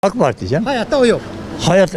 AK Parti canım. Hayatta o yok. Hayat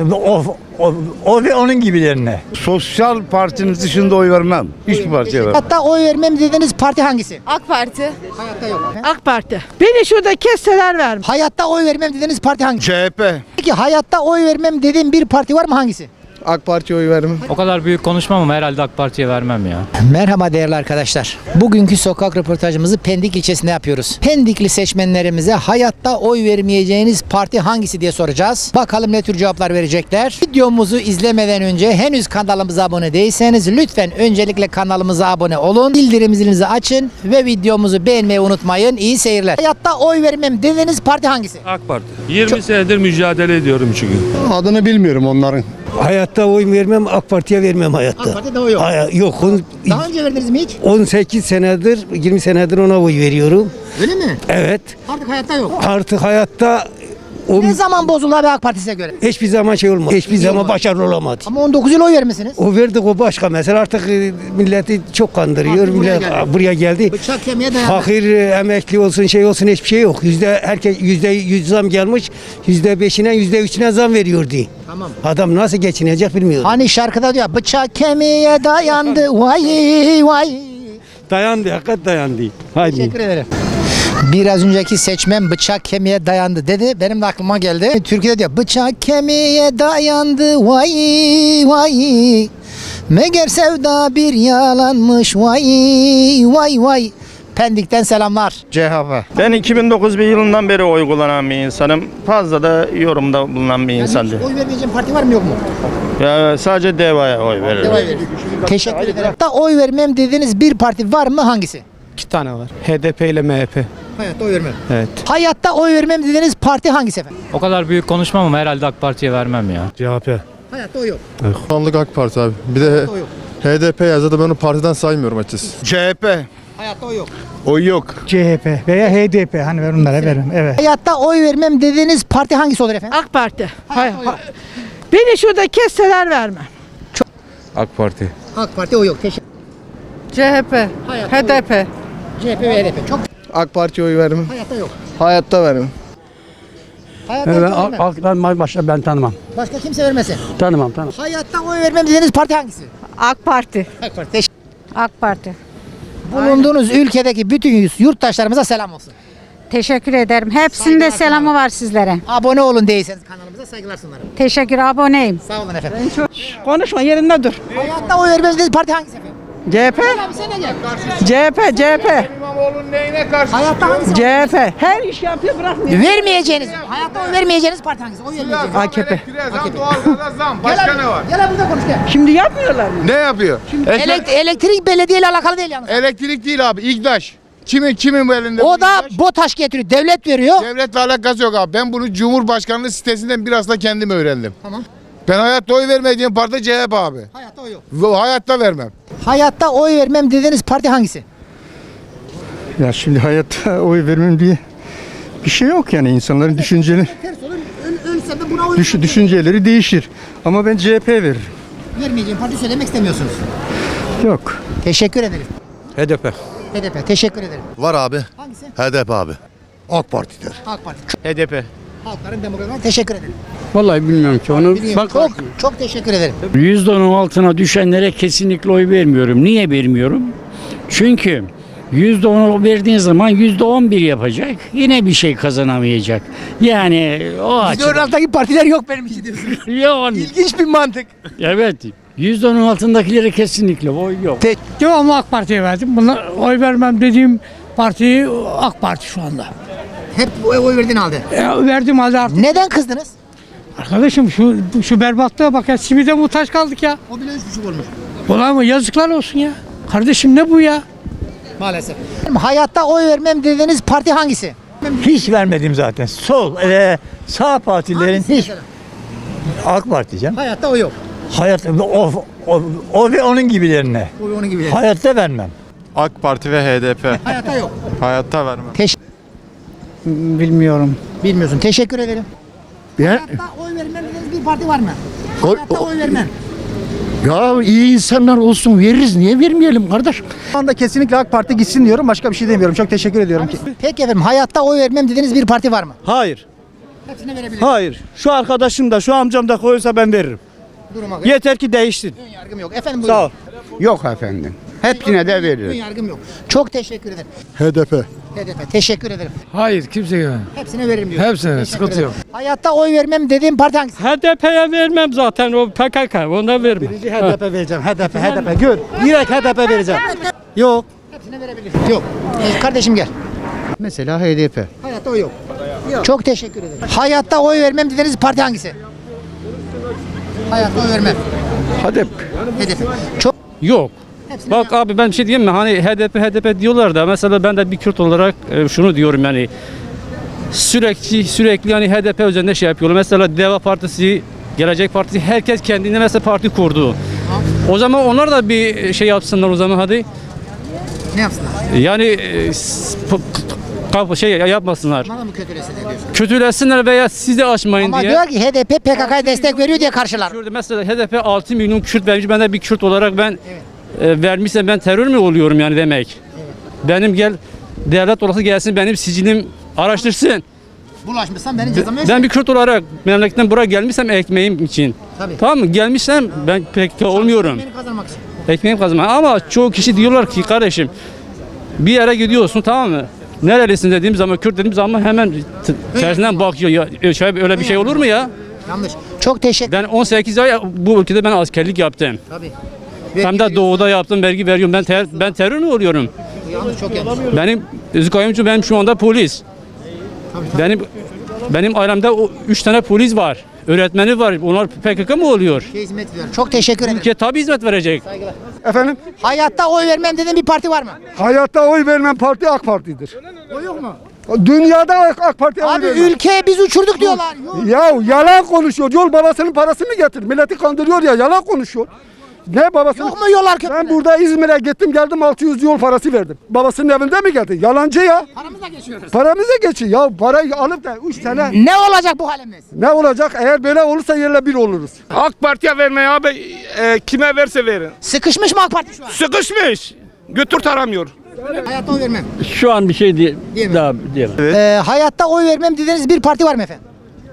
o ve onun gibilerine. Sosyal partinin dışında oy vermem. Hiçbir partiye vermem. Hatta oy vermem dediğiniz parti hangisi? AK Parti. Hayatta yok. AK Parti. Beni şurada kesseler vermem. Hayatta oy vermem dediğiniz parti hangisi? CHP. Peki hayatta oy vermem dediğin bir parti var mı, hangisi? AK Parti'ye oy vermem. O kadar büyük konuşmam ama herhalde AK Parti'ye vermem ya. Merhaba değerli arkadaşlar. Bugünkü sokak röportajımızı Pendik ilçesinde yapıyoruz. Pendikli seçmenlerimize hayatta oy vermeyeceğiniz parti hangisi diye soracağız. Bakalım ne tür cevaplar verecekler. Videomuzu izlemeden önce henüz kanalımıza abone değilseniz lütfen öncelikle kanalımıza abone olun. Bildirim zilinizi açın ve videomuzu beğenmeyi unutmayın. İyi seyirler. Hayatta oy vermem dediğiniz parti hangisi? AK Parti. 20 senedir mücadele ediyorum çünkü. Adını bilmiyorum onların. Hayatta oy vermem, AK Parti'ye vermem hayatta. AK Parti'de o yok. Yok. Daha önce verdiniz mi hiç? 18 senedir, 20 senedir ona oy veriyorum. Öyle mi? Evet. Artık hayatta yok. Artık hayatta o Ne zaman bozuldu abi AK Parti size göre? hiçbir zaman şey olmadı. Hiçbir zaman olmadı. başarılı olamadı. Ama 19 yıl oy vermişsiniz. O verdik o başka mesela artık milleti çok kandırıyor. Artık buraya Millet geldi. buraya geldi. Bıçak kemiğe dayandı. Fakir, emekli olsun şey olsun hiçbir şey yok. Herkes %100 zam gelmiş. %5'ine %3'üne zam veriyordu. Tamam. Adam nasıl geçinecek bilmiyorum. Hani şarkıda diyor bıçak kemiğe dayandı vay vay. Dayandı, hakikat dayandı. Haydi. Teşekkür ederim. Biraz önceki seçmen bıçak kemiğe dayandı dedi. Benim de aklıma geldi. Türkiye'de diyor bıçak kemiğe dayandı vay vay. Meğer sevda bir yalanmış vay vay vay. Pendik'ten selamlar. CHP. Ben 2009 bir yılından beri oy kullanan bir insanım. Fazla da yorumda bulunan bir insan değil. Oy vermeyeceğim parti var mı yok mu? Ya sadece DEVA'ya oy veririm. Teşekkür ederim. Hatta oy vermem dediğiniz bir parti var mı, hangisi? 2 tane var. HDP ile MHP. Hayatta oy vermem. Evet. Hayatta oy vermem dediğiniz parti hangisi efendim? O kadar büyük konuşmam ama herhalde AK Parti'ye vermem ya. CHP. Hayatta oy yok. Şu anlık AK Parti abi. Bir de O yok. HDP yazdı da ben onu partiden saymıyorum açıkçası. CHP. Hayatta oy yok. Oy yok. CHP veya HDP hani ben onlara veririm. Evet. Hayatta oy vermem dediğiniz parti hangisi olur efendim? AK Parti. Hayatta oy yok. Beni şurada kesseler vermem. AK Parti. AK Parti oy yok. Teşekkür CHP. Hayatta HDP. CHP ve HDP. Çok AK Parti'ye oy vermem. hayatta yok. Hayatta vermem. Hayatta oy vermem. Ben tanımam. Başka kimse vermesin. Tanımam. Hayatta oy vermem dediğiniz parti hangisi? AK Parti. AK Parti. Teşekkür. AK Parti. Bulunduğunuz ülkedeki bütün yurttaşlarımıza selam olsun. Teşekkür ederim. Hepsinde Saygılar selamı sunarım. var sizlere. Abone olun değilseniz kanalımıza saygılar sunarım. Teşekkür, aboneyim. Sağ olun efendim. Konuşma yerinde dur. Hayatta oy vermem dediğiniz parti hangisi efendim? CHP. Abi sen de gel. CHP. Hayatta hangisi? CHP. Her iş yapıyor bırakmıyor. Vermeyeceğiniz, hayatta oy vermeyeceğiniz parti hangisi? Oy vermeyeceğiniz. AKP. Başka ne var? Gel abi burada konuş gel. Şimdi yapmıyorlar mı? Ne yapıyor? Elektrik belediyeyle alakalı değil yalnız. Elektrik değil abi. İGDAŞ. Kimin bu elinde? O bu da İGDAŞ? BOTAŞ getiriyor. Devlet veriyor. Devletle alakası yok abi. Ben bunu Cumhurbaşkanlığı sitesinden biraz da kendim öğrendim. Tamam. Ben hayatta oy vermediğim parti CHP abi. Hayatta oy yok. Hayatta vermem. Hayatta oy vermem dediğiniz parti hangisi? Ya şimdi hayatta oy vermem diye bir şey yok yani insanların düşünceleri Ters olur. Ölse de buna oy düşünceleri değişir. Ama ben CHP veririm. vermeyeceğim parti söylemek istemiyorsunuz. Yok. Teşekkür ederim. HDP. HDP. Teşekkür ederim. Var abi. Hangisi? HDP abi. AK Parti'dir. AK Parti. HDP. Halkların Demokratları. Teşekkür ederim. Vallahi bilmiyorum ki onu. Çok teşekkür ederim. %10'un altına düşenlere kesinlikle oy vermiyorum. Niye vermiyorum? Çünkü %10'u verdiğin zaman %11 yapacak. Yine bir şey kazanamayacak. Yani o açıdan. alttaki partiler yok benim için diyorsun. Yani, İlginç bir mantık. evet. %10'un altındakilere kesinlikle oy yok. Devamlı AK Parti'ye verdim. Buna oy vermem dediğim parti AK Parti şu anda. Hep oy verdiğini aldı. Verdim halde artık. Neden kızdınız? Arkadaşım şu berbatlığa bak ya. Simide muhtaç kaldık ya. O bile 3,5 olmuş. Ulan mı yazıklar olsun ya. Kardeşim ne bu ya? Maalesef. Hayatta oy vermem dediğiniz parti hangisi? Hiç vermedim zaten. Sol, sağ partilerin Hangisi hiç. mesela? AK Parti canım. Hayatta oy yok. Hayat o ve onun gibilerine. Oy onun gibi. Hayatta vermem. AK Parti ve HDP. Hayatta yok. Hayatta vermem. Bilmiyorum. Bilmiyorsun. Teşekkür ederim. Ya, Hayatta oy vermem dediğiniz bir parti var mı? Hayatta oy vermem. ya iyi insanlar olsun veririz. Niye vermeyelim kardeş? Şu anda kesinlikle AK Parti gitsin diyorum. Başka bir şey demiyorum. Çok teşekkür ediyorum ki. Peki efendim hayatta oy vermem dediğiniz bir parti var mı? Hayır. Hepsine verebilir. Hayır. Şu arkadaşım da şu amcam da koysa ben veririm. Duruma göre. Yeter ki değişsin. Ön yargım yok. Efendim buyurun. Sağ ol. Yok efendim. Hepsine de Ön veriyor. yargım yok. Çok teşekkür ederim. HDP. HDP. Teşekkür ederim. Hayır kimseye. Hepsine veririm diyor. Hepsine, Teşekkür sıkıntı ederim. yok. Hayatta oy vermem dediğim parti hangisi? HDP'ye vermem zaten o PKK ona vermem. HDP vereceğim. HDP. Gör. Direkt HDP vereceğim. Yok. Hepsine verebilirsin. Yok. Kardeşim gel. Mesela HDP. Hayatta oy yok. Çok teşekkür ederim. Hayatta oy vermem dediğiniz parti hangisi? Hayatta oy vermem. HDP. HDP. Çok. Yok. Hepsine Bak abi ben bir şey diyeyim mi? Hani HDP diyorlar da mesela ben de bir Kürt olarak şunu diyorum yani sürekli yani HDP üzerinde şey yapıyorlar. Mesela Deva Partisi, Gelecek Partisi herkes kendine mesela parti kurdu. O zaman onlar da bir şey yapsınlar o zaman hadi. Ne yapsınlar? Yani şey yapmasınlar. Bana mı kötülesin diyorsun? Kötülesinler veya siz de açmayın Ama diye. diyor ki HDP PKK'ya destek veriyor diye karşılar. Kürt, mesela HDP 6 milyon Kürt vermiş. Ben de bir Kürt olarak ben vermişsem ben terör mü oluyorum yani demek. Benim devlet olası gelsin benim sicilim araştırsın. Bulaşmışsan benim cezamı Ben bir Kürt olarak memleketten buraya gelmişsem ekmeğim için. Tabii. Tamam mı? Gelmişsem ben pek olmuyorum. Beni kazanmak için. Ekmeğim kazanma. Ama çoğu kişi diyorlar ki kardeşim bir yere gidiyorsun tamam mı? Nerelisin dediğim zaman Kürt dediğim zaman hemen tersinden bakıyor. Ya, öyle bir şey olur mu ya? Yanlış. Çok teşekkür Ben 18 ay bu ülkede ben askerlik yaptım. Tabii. Hem de doğuda yaptım, vergi veriyorum. Ben terör mü oluyorum? Yanlış, çok yanlış. Benim Özgür benim şu anda polis. Benim ailemde 3 tane polis var. Öğretmeni var. Onlar PKK mı oluyor? Hizmet veriyorum. Çok teşekkür ederim. Ülke tabii hizmet verecek. Efendim? Hayatta oy vermem dediğin bir parti var mı? Hayatta oy vermem parti AK Parti'dir. O yok mu? Dünyada AK Parti'ye oy Abi vermem. ülkeye biz uçurduk diyorlar. Yok. Ya yalan konuşuyor. Yol babasının parasını getir. Milleti kandırıyor ya. Yalan konuşuyor. Ne babasını? Yok mu yollar köprüler? Ben burada İzmir'e gittim geldim 600 yol parası verdim. Babasının evinde mi geldi? Yalancı ya. Paramıza geçiyoruz. Paramıza geçin ya. Parayı alıp da 3 sene Ne olacak bu halimiz? ne olacak? Eğer böyle olursa yerle bir oluruz. AK Parti'ye vermeyin abi. Kime verse verin. Sıkışmış mı AK Parti şu an? Sıkışmış. Götür taramıyor. Hayatta oy vermem. Şu an bir şey Diyemem. daha diyemem. Hayatta oy vermem dediğiniz bir parti var mı efendim?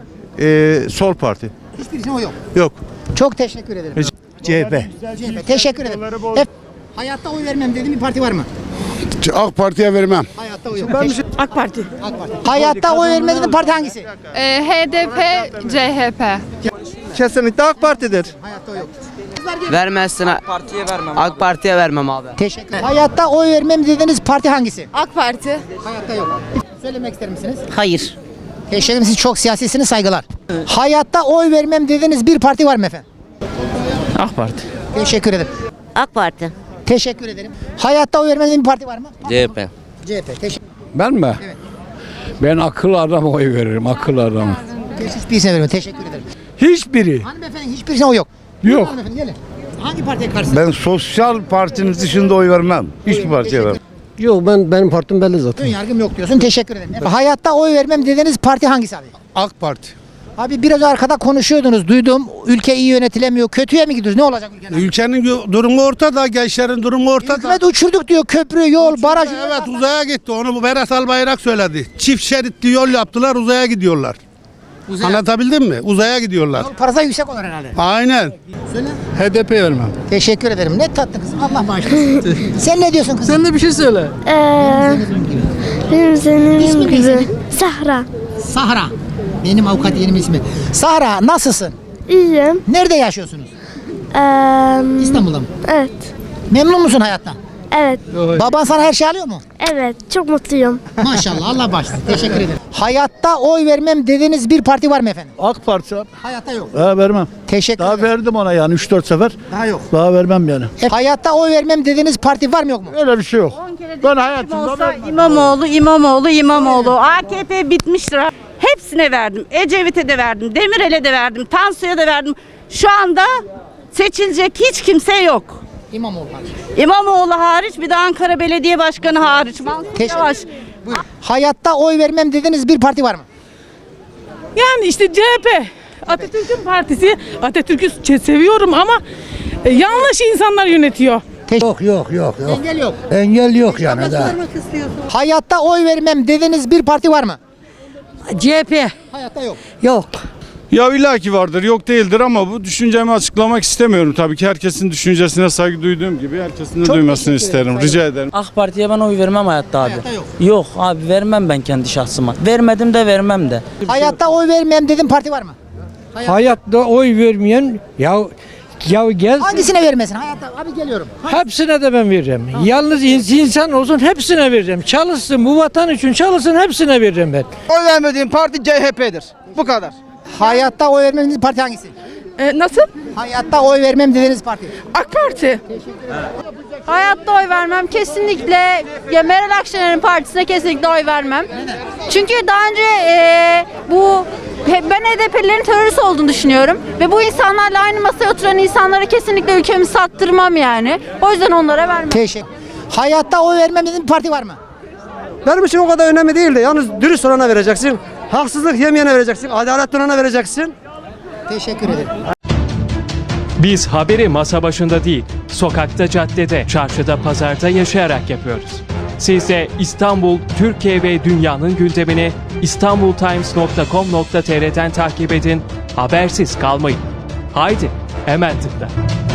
Sol parti. Hiçbirisine oy yok. Yok. Çok teşekkür ederim. CHP. CHP. Teşekkür ederim. Hayatta oy vermem dediğin bir parti var mı? AK Parti'ye vermem. Hayatta oy yok. AK Parti. AK Parti. Hayatta oy vermem dediğin parti hangisi? HDP, CHP. Kesinlikle AK Parti'dir. Hayatta oy yok. Vermezsin. AK Parti'ye vermem abi. Teşekkür ederim. Hayatta oy vermem dediğiniz parti hangisi? AK Parti. Hayatta yok. Söylemek ister misiniz? Hayır. Teşekkür ederim. Siz çok siyasisiniz. Saygılar. Hayatta oy vermem dediğiniz bir parti var mı efendim? AK Parti. Teşekkür ederim. AK Parti. Teşekkür ederim. Hayatta oy vermem dediğin bir parti var mı? CHP. CHP. Teşekkür Ben mi? Evet. Ben akıllı adama oy veririm. Akıllı adama. Hiçbirisine vermem. Teşekkür ederim. Hiçbiri. Hanımefendi hiçbirisine oy yok. Yok. Hanımefendi gelin. Hangi partiye karşısınız? Ben sosyal partinin dışında oy vermem. Hiçbir partiye vermem. Yok benim partim belli zaten. Ön yargım yok diyorsun. Teşekkür ederim. Hayatta oy vermem dediğiniz parti hangisi abi? AK Parti. Abi biraz arkada konuşuyordunuz. Duydum. Ülke iyi yönetilemiyor. Kötüye mi gidiyoruz? Ne olacak ülkenin? Ülkenin durumu ortada, gençlerin durumu ortada. Hükümet uçurduk diyor. Köprü, yol, baraj. Evet uzaya gitti. Onu bu Berat Albayrak söyledi. Çift şeritli yol yaptılar, uzaya gidiyorlar. Anlatabildim mi? Uzaya gidiyorlar. Yol parası yüksek olur herhalde. Aynen. Söyle. HDP vermem. Teşekkür ederim. Ne tatlı kızım. Allah bağışlasın. Sen ne diyorsun kızım? Sen de bir şey söyle. Benim İsmin ne senin? Sahra. Sahra. Benim avukat yerim ismi. Sahra nasılsın? İyiyim. Nerede yaşıyorsunuz? İstanbul'da mı? Evet. Memnun musun hayattan? Evet. Baban sana her şey alıyor mu? Evet. Çok mutluyum. Maşallah Allah bağışlasın. Teşekkür ederim. Hayatta oy vermem dediğiniz bir parti var mı efendim? AK Parti abi. Hayatta yok. Vermem. Teşekkür Daha ederim. verdim ona yani 3-4 sefer. Daha yok. Daha vermem yani. Hayatta oy vermem dediğiniz parti var mı yok mu? Öyle bir şey yok. Ben hayatımda İmamoğlu. AKP bitmiştir. Hepsine verdim. Ecevit'e de verdim. Demirel'e de verdim. Tansu'ya da verdim. Şu anda seçilecek hiç kimse yok. İmamoğlu parti. İmamoğlu hariç, bir de Ankara Belediye Başkanı hariç. Mansur Teşekkür Yavaş. Buyurun. Hayatta oy vermem dediğiniz bir parti var mı? Yani işte CHP. Atatürk'ün partisi. Atatürk'ü seviyorum ama yanlış insanlar yönetiyor. Yok. Engel yok. Engel yok yani daha. Hayatta oy vermem dediğiniz bir parti var mı? CHP. Hayatta yok. Yok. Ya illaki vardır, yok değildir ama bu düşüncemi açıklamak istemiyorum. Tabii ki herkesin düşüncesine saygı duyduğum gibi herkesin de Çok duymasını teşekkür ederim, isterim. Rica ederim. AK Parti'ye ben oy vermem hayatta abi. Hayatta yok. Yok abi vermem ben kendi şahsıma. Vermedim de vermem de. Hayatta oy vermem dediğin parti var mı? Hayatta oy vermeyen ya gel Hangisine vermesin? Hayatta abi geliyorum. hepsine de ben vereceğim. Yalnız insan olsun hepsine vereceğim. Çalışsın bu vatan için çalışsın hepsine vereceğim ben. Oy vermediğim parti CHP'dir. Bu kadar. Hayatta oy vermem dediğiniz parti hangisi? Nasıl? Hayatta oy vermem dediğiniz parti. AK Parti. Hayatta oy vermem. Kesinlikle ya Meral Akşener'in partisine kesinlikle oy vermem. Çünkü daha önce ben HDP'lilerin terörist olduğunu düşünüyorum. Ve bu insanlarla aynı masaya oturan insanlara kesinlikle ülkemi sattırmam yani. O yüzden onlara vermem. Teşekkür. Hayatta oy vermem dediğin bir parti var mı? Benim için o kadar önemli değil de yalnız dürüst olana vereceksin. Haksızlık yemeyene vereceksin. Adaletli olana vereceksin. Teşekkür ederim. Biz haberi masa başında değil, sokakta, caddede, çarşıda, pazarda yaşayarak yapıyoruz. Siz de İstanbul, Türkiye ve dünyanın gündemini istanbultimes.com.tr'den takip edin, habersiz kalmayın. Haydi, hemen tıkla.